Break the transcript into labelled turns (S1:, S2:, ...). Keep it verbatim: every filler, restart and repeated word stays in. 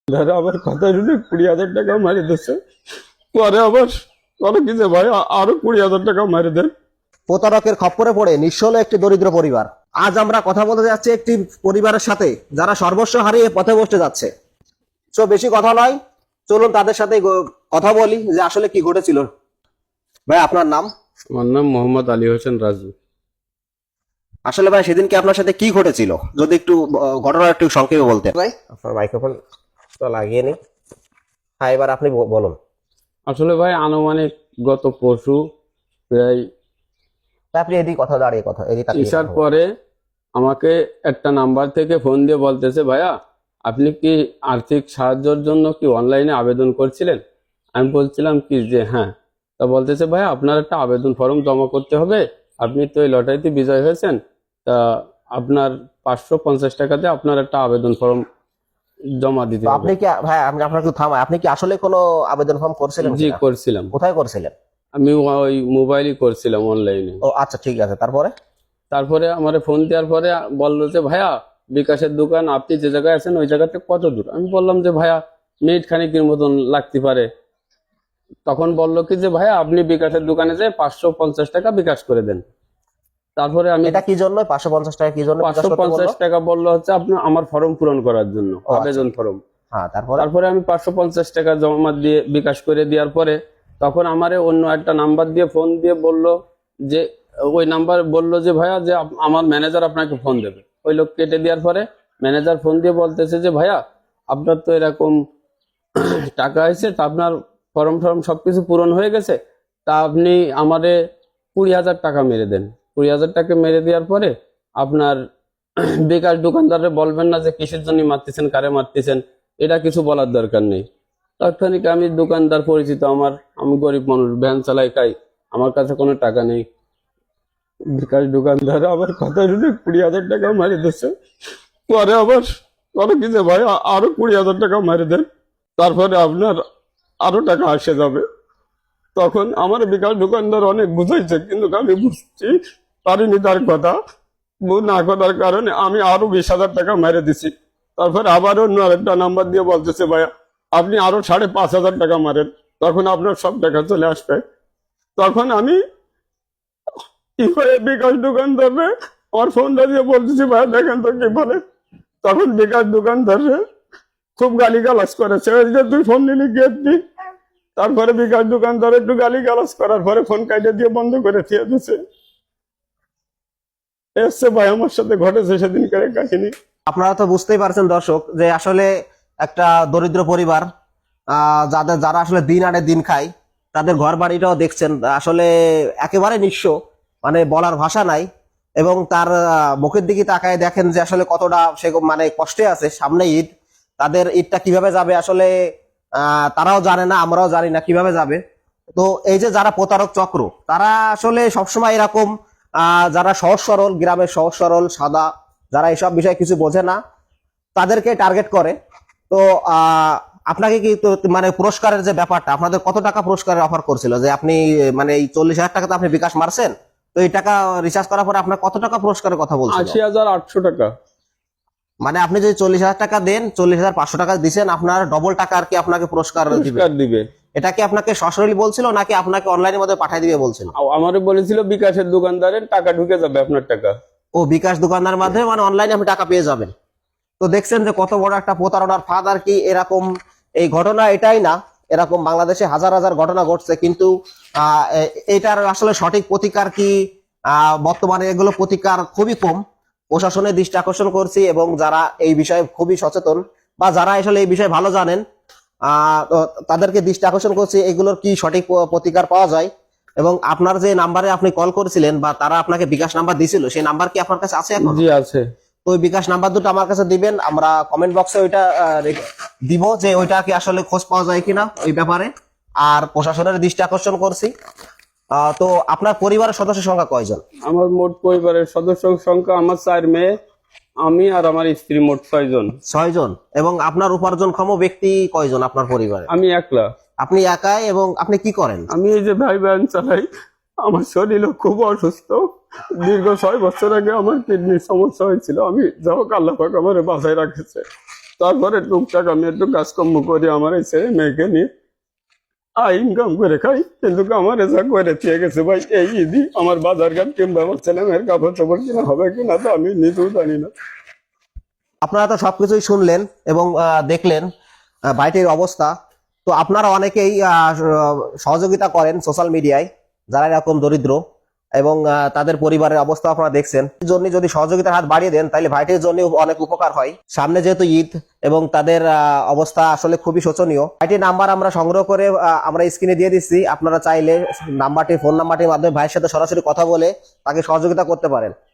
S1: ধরো আমার কথা শুনে কুড়ি হাজার টাকা মারি দিচ্ছে, পরে আবার বলো কি যে ভাই আরো কুড়ি হাজার টাকা মারি দেন।
S2: প্রতারকের খপ্পরে পড়ে নিঃস্ব হলো একটি দরিদ্র পরিবার। আজ আমরা কথা বলতে যাচ্ছি একটি পরিবারের সাথে যারা সর্বস্ব হারিয়ে পথে বসতে যাচ্ছে। তো বেশি কথা নয়, চলুন তাদের সাথে গ- কথা বলি যে আসলে কি ঘটেছিল। ভাই আপনার নাম?
S1: আমার নাম মোহাম্মদ আলী হোসেন রাজু।
S2: আসলে ভাই সেদিনকে আপনার সাথে কি ঘটেছিল যদি একটু আহ, ঘটনা একটু সংক্ষেপে বলতেন। ভাই আপনার মাইক্রোফোন তো লাগিয়ে নি। হ্যাঁ এবার আপনি ব- বলুন।
S1: আসলে ভাই আনুমানিক গত পরশু প্রায়
S2: তা আপনি এদিকে কথা দাঁড়িয়ে কথা এদিকে তাকিয়ে
S1: ইশার
S2: কথা বলুন।
S1: পরে আমাকে একটা নাম্বার থেকে ফোন দিয়ে বলতেছে, ভাইয়া আপনি কি আর্থিক সাহায্যের জন্য কি অনলাইনে আবেদন করছিলেন? আমি বলছিলাম কি যে হ্যাঁ। তা বলতেছে, ভাইয়া আপনার একটা আবেদন ফর্ম জমা করতে হবে, আপনি তো এই লটারিতে বিজয় হয়েছেন, তা আপনার পাঁচশো পঞ্চাশ টাকাতে আপনার একটা আবেদন ফর্ম জমা দিতে
S2: তো
S1: হবে।
S2: আপনি কি ভাই আপনি আপনার একটু থামায়, আপনি কি আসলে কোনো আবেদন ফর্ম করছিলেন
S1: জি
S2: কিনা?
S1: করছিলাম,
S2: কোথায় করছিলেন?
S1: আমি ওই মোবাইলই করছিলাম অনলাইনে।
S2: ও আচ্ছা ঠিক আছে, তারপরে?
S1: তারপরে আমার ফোন দেওয়ার পরে বললো যে ভাইয়া বিকাশের দোকান আপনি যে জায়গায় আছেন ওই জায়গাতে কত দূর? আমি বললাম যে ভাইয়া মিনিট খানিকের মতন লাগতে পারে। তখন বললো কি যে ভাইয়া আপনি বিকাশের দোকানে যেয়ে পাঁচশো পঞ্চাশ টাকা বিকাশ করে দেন। তারপরে আমি
S2: এটা কি জন্য পাঁচশো পঞ্চাশ টাকা কি জন্য বিকাশ
S1: পাঁচশো
S2: করতে
S1: পঞ্চাশ
S2: বললো?
S1: টাকা বললো হচ্ছে আপনার আমার ফর্ম পূরণ করার জন্য,
S2: ও আচ্ছা।
S1: আবেদন ফর্ম।
S2: হ্যাঁ তারপরে?
S1: তারপরে আমি পাঁচশো পঞ্চাশ টাকা জমা দিয়ে বিকাশ করে দেওয়ার পরে তখন আমারে অন্য একটা নাম্বার দিয়ে ফোন দিয়ে বলল যে ওই নাম্বার বলল যে ভাইয়া যে আপ- আমার ম্যানেজার আপনাকে ফোন দেবে। ওই লোক কেটে দেওয়ার পরে ম্যানেজার ফোন দিয়ে বলতেছে যে ভাইয়া আপনার তো এরকম টাকা হয়েছে, তা আপনার ফর্ম ফর্ম সবকিছু পূরণ হয়ে গেছে, তা আপনি আমারে কুড়ি হাজার টাকা মেরে দেন। কুড়ি হাজার টাকা মেরে দেওয়ার পরে আপনার বেকার দোকানদারে বলবেন না যে কিসের জন্য মারতেছেন, কারে মারতেছেন, এটা কিছু বলার দরকার নেই। তাৎক্ষণিক আমি দোকানদার পরিচিত আমার, আমি গরিব মানুষ, ভ্যান চালাই, খাই, আমার কাছে কোনো টাকা নেই। বিকাশ দোকানদার আবার কথা শুনে কুড়ি হাজার টাকা মারি দিচ্ছে, পরে আবার বলো কি যে ভাই আরো কুড়ি হাজার টাকা মারি দেন, তারপরে আপনার আরো টাকা আসে যাবে। তখন আমার বিকাশ দোকানদার অনেক বুঝাইছে, কিন্তু আমি বুঝছি পারিনি তার কথা। বুঝ না করার কারণে আমি আরো বিশ হাজার টাকা মেরে দিছি। তারপরে আবার অন্য আরেকটা নাম্বার দিয়ে বলতেছে ভাইয়া আপনি আরো সাড়ে পাঁচ হাজার টাকা মারেন, তখন আপনার সব টাকা চলে আসবে। তখন আমি কি করে বিকাশ দোকানদারে আমার ফোনটা দিয়ে বলতেছি ভাইয়া দেখেন তো কি বলে। তখন বিকাশ দোকানদার খুব গালি গালাজ করেছে, ওই যে তুই ফোন নিলি গেট দি। তারপরে বিকাশ দোকানদার একটু গালি গালাজ করার পরে ফোন কাটে দিয়ে বন্ধ করে দিয়ে দিচ্ছে। এসছে ভাই আমার সাথে ঘটেছে সেদিনকার কাহিনী।
S2: আপনারা তো বুঝতেই পারছেন দর্শক যে আসলে একটা দরিদ্র পরিবার, আহ, যাদের যারা আসলে দিন আনে দিন খায়, তাদের ঘর বাড়িটাও দেখছেন আসলে একেবারে নিঃস্ব, মানে বলার ভাষা নাই। এবং তার আহ, মুখের দিকে তাকায় দেখেন যে আসলে কতটা সে মানে কষ্টে আছে। সামনে ঈদ, তাদের ঈদটা কিভাবে যাবে আসলে আহ তারাও জানে না, আমরাও জানি না কিভাবে যাবে। তো এই যে যারা প্রতারক চক্র, তারা আসলে সবসময় এরকম আহ যারা সহজ সরল, গ্রামের সহজ সরল সাদা, যারা এসব বিষয়ে কিছু বোঝে না, তাদেরকে টার্গেট করে। তো আহ আপনাকে কি তো মানে পুরস্কারের যে ব্যাপারটা, আপনাদের কত টাকা পুরস্কারের অফার করছিল যে আপনি মানে এই চল্লিশ হাজার টাকা তো আপনি বিকাশ মারছেন, তো এই টাকা রিচার্জ করার পরে আপনার কত টাকা পুরস্কারের কথা বলছিল?
S1: আশি হাজার আটশো টাকা।
S2: মানে আপনি যদি চল্লিশ হাজার টাকা দেন, চল্লিশ হাজার পাঁচশো টাকা দিচ্ছেন, আপনার ডবল টাকা আর কি আপনাকে পুরস্কার দিবে।
S1: পুরস্কার দিবে।
S2: এটা কি আপনাকে সরাসরি বলছিল নাকি আপনাকে অনলাইনের মধ্যে পাঠিয়ে দিবে বলছিল?
S1: আমারে বলেছিল বিকাশের দোকানদারের টাকা ঢুকে যাবে আপনার টাকা।
S2: ও বিকাশ দোকানদার মাধ্যমে মানে অনলাইনে আপনি টাকা পেয়ে যাবেন। তো দেখছেন যে কত বড় একটা প্রতারণার ফাঁদ আর কি। এরকম এই ঘটনা এটাই না, এরকম বাংলাদেশে হাজার হাজার ঘটনা ঘটছে, কিন্তু আহ এটার আসলে সঠিক প্রতিকার কি আহ বর্তমানে এগুলো প্রতিকার খুবই কম। প্রশাসনের দৃষ্টি আকর্ষণ করছি, এবং যারা এই বিষয়ে খুবই সচেতন বা যারা আসলে এই বিষয়ে ভালো জানেন আহ তাদেরকে দৃষ্টি আকর্ষণ করছি এগুলোর কি সঠিক প্রতিকার পাওয়া যায়। এবং আপনার যে নাম্বারে আপনি কল করেছিলেন বা তারা আপনাকে বিকাশ নাম্বার দিয়েছিল, সেই নাম্বার কি আপনার কাছে আছে এখন?
S1: জি আছে।
S2: তো ওই বিকাশ নাম্বার দুটো আমার কাছে দিবেন, আমরা কমেন্ট বক্সে ওইটা আহ, রেখে- দিব যে ওইটা কি আসলে খোঁজ পাওয়া যায় কিনা ওই ব্যাপারে। আর প্রশাসনের দৃষ্টি আকর্ষণ করছি। আহ, তো আপনার পরিবারের সদস্য সংখ্যা কয়জন?
S1: আমার মোট পরিবারের সদস্য সংখ্যা আমার চার মেয়ে, আমি আর আমার স্ত্রী, মোট ছয় জন।
S2: ছয় জন। এবং আপনার উপার্জনক্ষম ব্যক্তি কয়জন আপনার পরিবারে?
S1: আমি একলা।
S2: আপনি একাই। এবং আপনি কি করেন?
S1: আমি এই যে ভাই ভ্যান চালাই, আমার শরীর খুব অসুস্থ। দীর্ঘ ছয় বছর আগে আমার কিডনির সমস্যা হয়েছিল, আমি যাও আল্লাহ পাক আমার বাঁচায় রাখেছে। তারপরে টুকটাক আমি একটু কাজকর্ম করি আমার এই ছেলে মেয়েকে নিয়ে আই ইনকাম করে খাই, কিন্তু আমার যা করে দিয়ে গেছে ভাই এই ঈদই আমার বাজার ঘাট কিংবা আমার ছেলে মেয়ের কাপড় চাপড় কিনা হবে কিনা তো আমি নিজেও জানি না।
S2: আপনারা তো সবকিছুই শুনলেন এবং আহ, দেখলেন আহ, ভাইটির অবস্থা। তো আপনারা অনেকেই আহ, সহযোগিতা করেন সোশ্যাল মিডিয়ায়, যারা এরকম দরিদ্র এবং আহ, তাদের পরিবারের অবস্থা আপনারা দেখছেন। এই জন্য যদি সহযোগিতার হাত বাড়িয়ে দেন তাহলে ভাইটির জন্য অনেক উপকার হয়। সামনে যেহেতু ঈদ এবং তাদের আহ, অবস্থা আসলে খুবই শোচনীয়। ভাইটির নাম্বার আমরা সংগ্রহ করে আহ, আমরা স্ক্রিনে দিয়ে দিচ্ছি, আপনারা চাইলে নাম্বারটি ফোন নাম্বারটির মাধ্যমে ভাইয়ের সাথে সরাসরি কথা বলে তাকে সহযোগিতা করতে পারেন।